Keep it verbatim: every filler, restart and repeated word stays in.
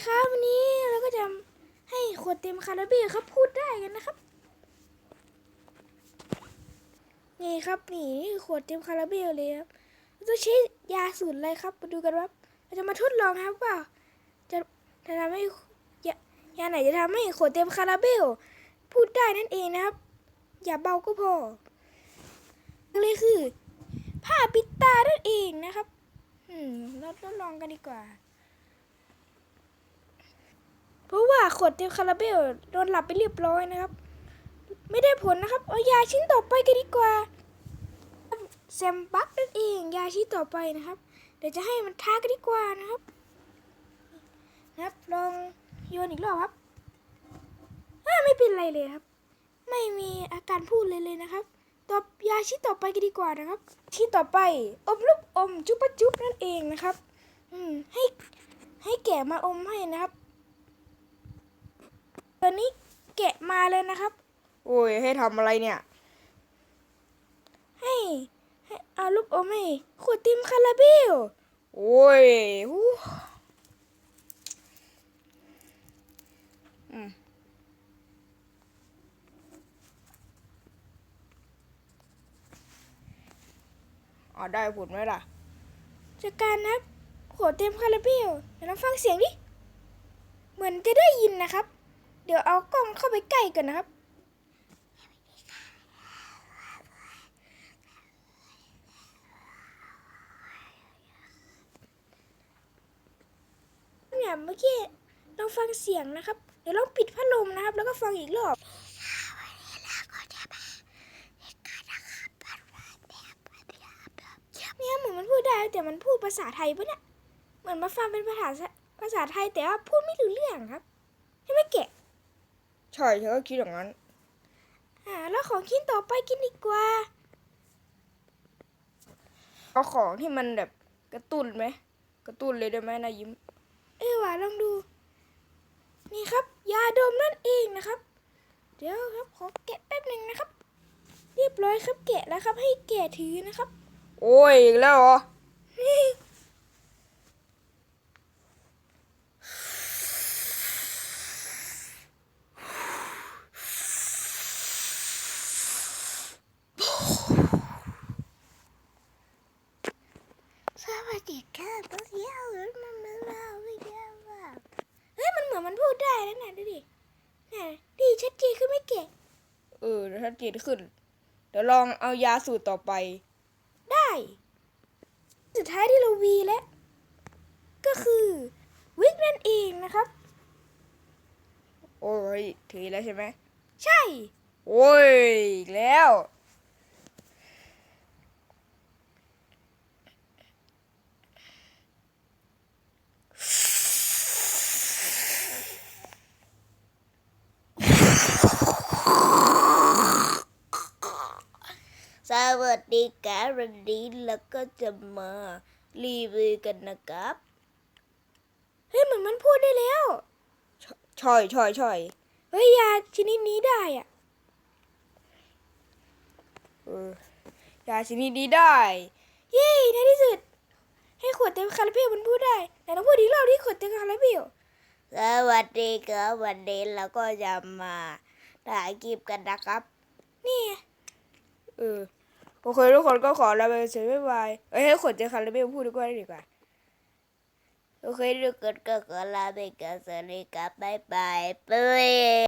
ครับวันนี้เราก็จะให้ขวดเต็มคาราเบลครับพูดได้กันนะครับนี่ครับนี่ขวดเต็มคาราเบลเลยครับเราจะใช้ยาสูตรอะไรครับมาดูกันว่าเราจะมาทดลองครับว่าจะจะทำให้ยายาไหนจะทำให้ขวดเต็มคาราเบลพูดได้นั่นเองนะครับอย่าเบาก็พอเลยคือผ้าปิดตานั่นเองนะครับอืมเราทดลองกันดีกว่าเพราะว่าขวดเต็มคาราเบลโดนหลับไปเรียบร้อยนะครับไม่ได้ผลนะครับเอายาชิ้นต่อไปกันดีกว่าแซมบักนั่นเองยาชิ้นต่อไปนะครับเดี๋ยวจะให้มันทากันดีกว่านะครับนะครับลองโยนอีกรอบครับไม่เป็นไรเลยครับไม่มีอาการพูดเลยเลยนะครับต่อยาชิ้นต่อไปกันดีกว่านะครับชิ้นต่อไปอมลูกอมจุ๊บปะจุ๊บนั่นเองนะครับอืมให้ให้แกะมาอมให้นะครับตอนนี้แกะมาเลยนะครับโอ้ยให้ทำอะไรเนี่ยให้ให้เอาลูกอมให้ขวดเต็มคาราเบลโอ้ยอืมอ๋อได้ผลไหมล่ะจากการนับขวดเต็มคาราเบลเดี๋ยวเราฟังเสียงดิเหมือนจะได้ยินนะครับเดี๋ยวเอากล้องเข้าไปใกล้กันนะครับเนี่ยเมื่อกี้เราฟังเสียงนะครับเดี๋ยวเราปิดพัดลมนะครับแล้วก็ฟังอีกรอบเนี่ยเหมือนมันพูดได้แต่มันพูดภาษาไทยปะเนี่ยเหมือนมาฟังเป็นภาษาภาษาไทยแต่ว่าพูดไม่รู้เรื่องครับใช่ไหมแกะใช่ฉันก็คิดอย่างนั้นอ่าแล้วของชิ้นต่อไปกินดีกว่าเอาของที่มันแบบกระตุ้นไหมกระตุ้นเลยได้ไหมนายยิ้มเออว่ะลองดูนี่ครับยาดมนั่นเองนะครับเดี๋ยวครับขอแกะแป๊บหนึ่งนะครับเรียบร้อยครับแกะแล้วครับให้แกะถือนะครับโอ้ยอีกแล้วเหรอสวัสดีครับพวกเย้ามันมาเล่าไม่เย้าว่าเฮ้ยมันเหมือนมันพูดได้แล้วนะดูดิน่ะดีชัดเจนขึ้นไม่แกะเออถ้าเจนขึ้นเดี๋ยวลองเอายาสูตรต่อไปได้สุดท้ายที่เราวีแล้วก็คือวิกนั่นเองนะครับโอ้ยถือแล้วใช่ไหมใช่โอ้ยอีกแล้วสวัสดีครับวันนี้แล้วก็จะมารีวิวกันนะครับเฮ้ยเหมือนมันพูดได้แล้วช่อยช่อยช่อยเฮ้ยยาชนิดนี้ได้อ่ะเออยาชนิดนี้ได้เย้ในที่สุดให้ขวดเต็มคาราเบลมันพูดได้แต่ต้องพูดอีกรอบที่ขวดเต็มคาราเบลสวัสดีครับวันนี้เราก็จะมาถ่ายคลิปกันนะครับนี่เออโอเคทุกคนก็ขอลาไปเสียบ๊ายบายเอ้ยให้ขวดเต็มคาราเบลพูดดีกว่าดีกว่าโอเคทุกคนก็ขอลาไปก่อนสวัสดีครับบ๊ายบายเป้ย